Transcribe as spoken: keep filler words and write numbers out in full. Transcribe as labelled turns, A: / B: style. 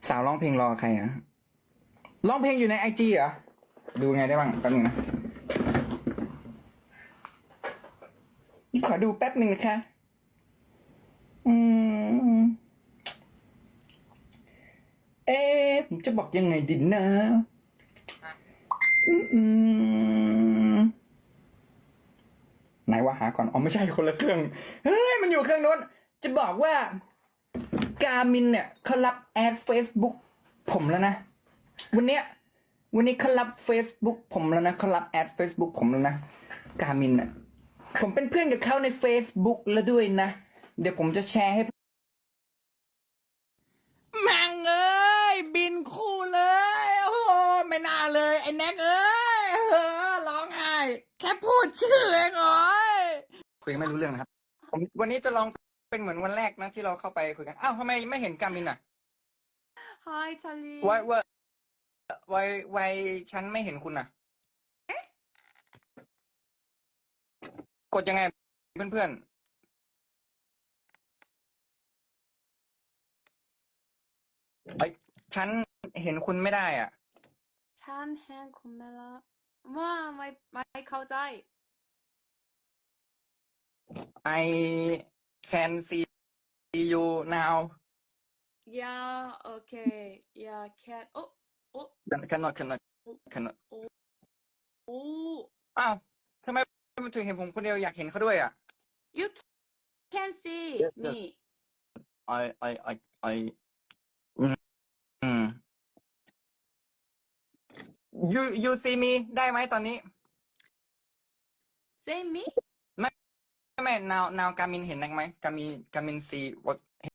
A: สาวร้องเพลงรอใครอ่ะร้องเพลงอยู่ในไอจีเหรอดูไงได้บ้างแป๊บนึงนะขอดูแป๊บหนึ่งนะคะอืมเอ๊ะผมจะบอกยังไงดีนะอืมอืมไหนว่าหาก่อนอ๋อไม่ใช่คนละเครื่องเฮ้ยมันอยู่เครื่องโน้นจะบอกว่าการมินเนี่ยเขารับแอด Facebook ผมแล้วนะวันเนี้ยวันนี้เขารับ Facebook ผมแล้วนะเขารับแอด Facebook ผมแล้วนะการมินเนี่ยผมเป็นเพื่อนกับเขาใน Facebook แล้วด้วยนะเดี๋ยวผมจะแชร์ให้แม่งเอ้ยบินคู่เลยโอ้โหไม่น่าเลยไอ้แน็กเอ้ยเออร้องไห้แค่พูดชื่อเองโอ้ยคุยกันไม่รู้เรื่องนะครับผมวันนี้จะลองเป็นเหมือนวันแรกนะที่เราเข้าไปคุยกันอ้าวทำไมไม่เห็นการมินอ่ะ
B: Hi, Charlie.
A: ไว้ไว้ไว้ไว้ฉันไม่เห็นคุณอ่ะกดยังไงเพื่อนๆไอ้ยฉันเห็นคุณไม่ได้อ่ะ
B: ฉันเห็นคุณไหมล่ะว่าไม่ไม่เข้าใจ
A: I can see you now
B: Yeah, okay. Yeah, cat. Oh, oh,
A: cannot cannot cannot
B: โอ้
A: อ้าวทำไมมันถึงเห็นผมคนเดียวอยากเห็นเขาด้วยอ่ะ
B: You can see
A: Yes, yes.
B: me.
A: I I I I อืมอืม you you see me ได้ไหมตอนนี้
B: See me?
A: ไม่ไม่ now now กามินเห็นได้ไหมกามินกามิน see what